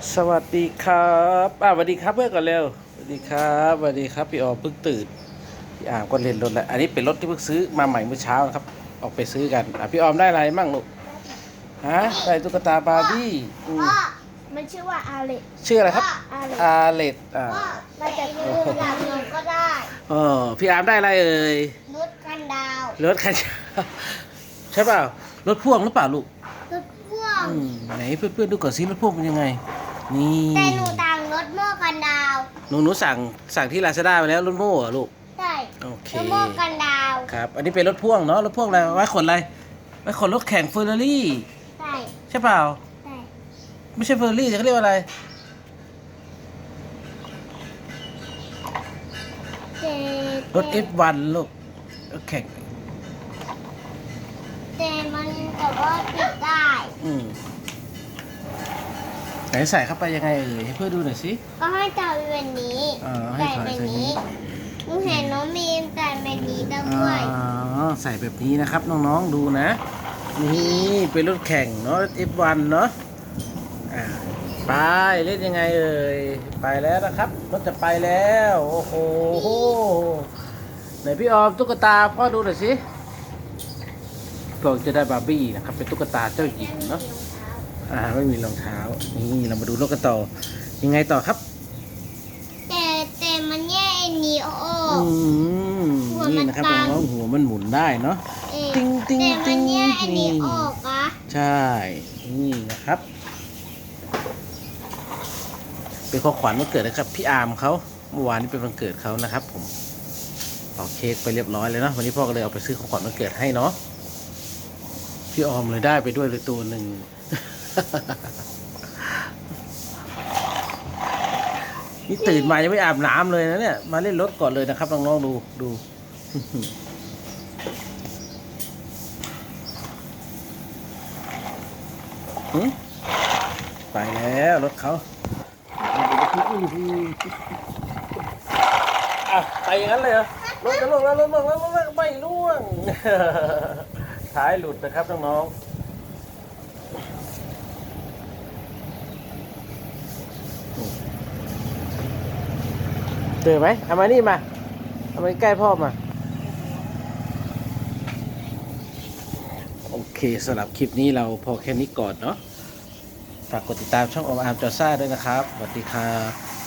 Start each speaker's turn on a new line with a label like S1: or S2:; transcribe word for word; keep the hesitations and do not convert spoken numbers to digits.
S1: สวัสดีครับอ่าสวัสดีครับเพื่อนก่อนเร็วสวัสดีครับสวัสดีครับพี่ออมเพิ่งตื่นพี่อามก็เล่นรถแล้วอันนี้เป็นรถที่เพิ่งซื้อมาใหม่เมื่อเช้านะครับออกไปซื้อกันอ่ะพี่ออมได้อะไรมั่งลูกฮะได้ตุ๊กตาบาร์บี้อืม
S2: พ่อมันชื่อว่าอาเล็ก
S1: ชื่ออะไรครับ
S2: อาเล็ก
S1: อาเลดอ่า
S2: เราจะซื้อหลังหนูก็ได้
S1: เออพี่อามได้อะไรเอ่ย
S2: รถกันดาว
S1: รถคันใช่เปล่ารถพ่วงหรือเปล่าลูก
S2: รถพ่วง
S1: อืมไหนเพื่อนๆดูก่อนซิรถพ่วงเป็นยังไงนี่
S2: แต่หนูต่างรถโม่กันดาว
S1: หนูหนูสั่งสั่งที่ลาซาด้าไปแล้วรถโม่เหรอลูก
S2: ใช่
S1: โอเค
S2: รถโม่กันดาว
S1: ครับ อันนี้เป็นรถพ่วงเนาะ รถพ่วงอะไร ไว้ขนอะไร ไว้ขนรถแข่งเฟอร์รารี่
S2: ใช่
S1: ใช่เปล่า
S2: ใช่
S1: ไม่ใช่เฟอร์รารี่แต่เขาเรียกว่าอะไร
S2: เจ
S1: รถ เอฟ วัน ลูกรถแข่ง
S2: เจมันแต่ว่าปิดได้
S1: อืมไหนใส่เข้าไปยังไงเอ่ยให้เพื่อนดูหน่อยสิ
S2: ก็ให้จับแบบนี้
S1: อ่าให้
S2: ใส่
S1: ถอย
S2: แบบ
S1: ใส่นี้
S2: นี้หนูเห็นน้องมีมใส่แบบนี้
S1: อ
S2: ด้วย
S1: ๋อใส่แบบนี้นะครับน้องๆดูนะ นี่เป็นรถแข่งเนาะ เอฟ วัน เนาะอ่าไปเล่นยังไงเอ่ย ไปแล้วนะครับ รถจะไปแล้ว โอ้โห ไหนพี่ออมตุ๊กตาพ่อดูหน่อยสิเราจะได้บาร์บี้นะครับเป็นตุ๊กตาเจ้าหญิงเนาะอ่าไม่มีรองเท้านี่เรามาดูรถกันต่อยังไงต่อครับ
S2: แต่แต่มันแย่อันนี้ออ
S1: อื
S2: ก
S1: มนี่นะครับน้องๆหัวมันหมุนได้เนาะ
S2: เอ๊ะ
S1: ติ้งติ้ง
S2: แต่มั
S1: ติ้
S2: น
S1: ง
S2: แยกอันนี้
S1: นี่
S2: ออกอะ
S1: ใช่นี่นะครับ เป็นของขวัญวันเกิดนะครับพี่อาร์มเขาเมื่อวานนี้เป็นวันเกิดเขานะครับ ผมเอาเค้กไปเรียบร้อยเลยเนาะวันนี้พ่อก็เลยเอาไปซื้อของขวัญวันเกิดให้เนาะพี่ออมเลยได้ไปด้วยเลยตัวหนึ่ง นี่ตื่นมายังไม่อาบน้ำเลยนะเนี่ยมาเล่นรถก่อนเลยนะครับน้องๆดูดูหึไปแล้วรถเขาอ่ะไปอย่างนั้นเลยเหรอรถจะล่วงแล้วรถล่วงแล้วรถไม่ล่วง ท้ายหลุดนะครับน้องๆเจอไหมเอามานี่มาเอามาใกล้พ่อมาโอเคสำหรับคลิปนี้เราพอแค่นี้ก่อนเนาะฝากกดติดตามช่องออมอาร์มจอซ่าด้วยนะครับสวัสดีครับ